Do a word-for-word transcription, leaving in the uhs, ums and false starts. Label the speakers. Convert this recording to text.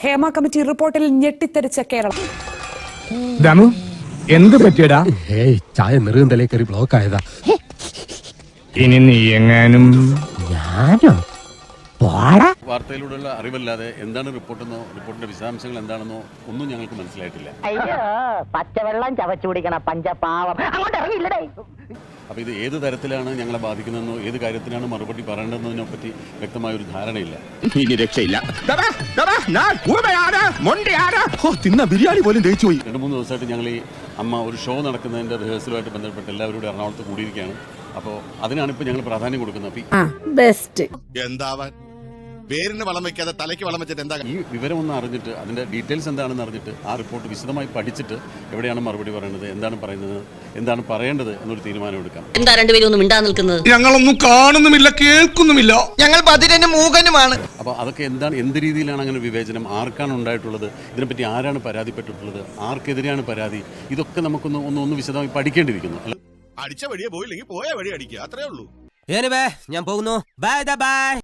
Speaker 1: Hema committee റിപ്പോർട്ടിൽ ഞെട്ടിത്തെറിച്ച കേരളം.
Speaker 2: ദമു എന്ത് പറ്റിയടാ?
Speaker 3: ഏയ് ചായ നെറുകന്തലേ കയറി ബ്ലോക്ക് ആയതാ.
Speaker 2: ഇനി നീ എങ്ങാനും
Speaker 3: ഞാനോ
Speaker 4: വാർത്തയിലൂടെയുള്ള അറിവല്ലാതെ എന്താണ് റിപ്പോർട്ടെന്നോ റിപ്പോർട്ടിന്റെ വിശദാംശങ്ങൾ എന്താണെന്നോ ഒന്നും ഞങ്ങൾക്ക് മനസ്സിലായിട്ടില്ല.
Speaker 5: അയ്യോ പച്ചവെള്ളം ചവച്ചു കുടിക്കണ പഞ്ചപാവം അങ്ങോട്ട് ഇറങ്ങിയില്ലടേ.
Speaker 4: അപ്പൊ ഇത് ഏത് തരത്തിലാണ് ഞങ്ങളെ ബാധിക്കുന്നതെന്നോ ഏത് കാര്യത്തിനാണ് മറുപടി പറയേണ്ടതെന്നതിനെ പറ്റി വ്യക്തമായ ഒരു ധാരണയില്ല.
Speaker 6: ഇനി രക്ഷയില്ല. ബിരിയാണി പോലും ദഹിച്ചു പോയി.
Speaker 4: രണ്ട് മൂന്ന് ദിവസമായിട്ട് ഞങ്ങൾ ഈ അമ്മ ഒരു ഷോ നടക്കുന്നതിന്റെ റിഹേഴ്സലുമായിട്ട് ബന്ധപ്പെട്ട് എല്ലാവരോടും എറണാകുളത്ത് കൂടിയിരിക്കുകയാണ്. അപ്പോൾ അതിനാണ് ഇപ്പോൾ ഞങ്ങൾ പ്രാധാന്യം കൊടുക്കുന്നത്.
Speaker 1: ബെസ്റ്റ്
Speaker 6: എന്താവാൻ പേരിന് വളം വെക്കാതെ തലയ്ക്ക് വളം വെച്ചിട്ട് എന്താ?
Speaker 4: ഈ വിവരം ഒന്ന് അറിഞ്ഞിട്ട് അതിന്റെ ഡീറ്റെയിൽസ് എന്താണെന്ന് അറിഞ്ഞിട്ട് ആ റിപ്പോർട്ട് വിശദമായി പഠിച്ചിട്ട് എവിടെയാണ് മറുപടി പറയുന്നത്, എന്താണ് പറയുന്നത്, എന്താണ് പറയേണ്ടത് എന്നൊരു തീരുമാനം എടുക്കാം.
Speaker 7: എന്താ രണ്ടുപേരും ഒന്നും മിണ്ടാ നിൽക്കുന്നത്?
Speaker 8: ഞങ്ങളൊന്നും കാണുന്നുമില്ല, കേൾക്കുന്നുമില്ല, ഞങ്ങൾ ബധിരനും മൂകനുമാണ്.
Speaker 4: അപ്പോൾ അതൊക്കെ എന്താണ്, എന്ത് രീതിയിലാണ് അങ്ങനെ വിവേചനം, ആർക്കാണ് ഉണ്ടായിട്ടുള്ളത്, ഇതിനെപ്പറ്റി ആരാണ് പരാതിപ്പെട്ടിട്ടുള്ളത്, ആർക്കെതിരെയാണ് പരാതി, ഇതൊക്കെ നമുക്കൊന്ന് ഒന്ന് ഒന്ന് വിശദമായി പഠിക്കേണ്ടിയിരിക്കുന്നു.
Speaker 6: അടിച്ച വഴിയെ പോയില്ലെങ്കിൽ പോയ വഴി അടിക്കുക, അത്രേ ഉള്ളൂ.
Speaker 3: ഞാൻ പോകുന്നു. Bye by.